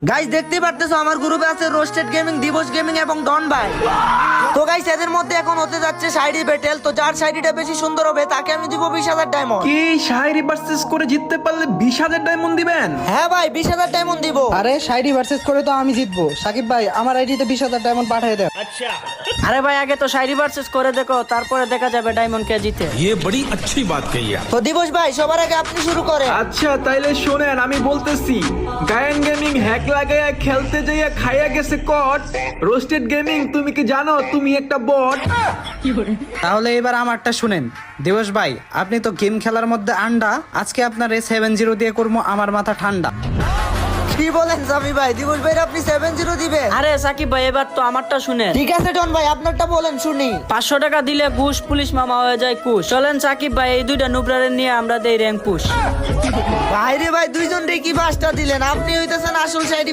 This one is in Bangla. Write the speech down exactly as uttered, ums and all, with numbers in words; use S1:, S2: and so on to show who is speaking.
S1: গাইস দেখতে পারতেছো আমার গ্রুপে আছে রোস্টেড গেমিং, দিবস গেমিং এবং ডন ভাই। তো গাইস এদের মধ্যে এখন হতে যাচ্ছে শাইরি ব্যাটেল। তো যার শাইরিটা বেশি সুন্দর হবে তাকে আমি দিব বিশ হাজার ডায়মন্ড।
S2: কি শায়রি ভার্সেস করে জিততে পারলে বিশ হাজার ডায়মন্ড দিবেন?
S1: হ্যাঁ ভাই বিশ হাজার ডায়মন্ড দিব।
S3: আরে শাইরি ভার্সেস করে তো আমি জিতবো। সাকিব ভাই আমার আইডিতে বিশ হাজার ডায়মন্ড পাঠিয়ে দেন।
S4: আরে ভাই আগে তো শায়রি ভার্সেস করে দেখো, তারপরে দেখা যাবে ডায়মন্ড কে জিতে।
S5: ये बड़ी अच्छी बात कही है।
S1: তো দিবস ভাই সবার আগে আপনি শুরু করেন।
S2: আচ্ছা তাইলে শোনেন, আমি বলতেছি গায়ন গেমিং হ্যাক লাগাইয়া খেলতে যাইয়া খাইয়া গেছে কট। রোস্টেড গেমিং তুমি কি জানো তুমি একটা বট?
S3: তাহলে এবার আমারটা শুনেন। দিবস ভাই আপনি তো গেম খেলার মধ্যে আন্ডা, আজকে আপনার এই সেভেন জিরো দিয়ে করবো আমার মাথা ঠান্ডা।
S1: কি বলেন সামি ভাই, দিবস ভাই আপনি সেভেন জিরো দিবেন?
S4: আরে সাকিব ভাই এবার তো আমারটা শুনেন।
S1: ঠিক আছে ডন ভাই আপনারটা বলেন শুনি।
S4: পাঁচশো টাকা দিলে ঘুষ, পুলিশ মামা হয়ে যায় কুশ। চলেন সাকিব ভাই এই দুইটা নুবরারে নিয়ে আমরা দেই র্যাঙ্ক পুশ।
S1: ভাই রে ভাই দুইজন রে কি বাসটা দিলেন, আপনি হইতেছেন আসল শাইরি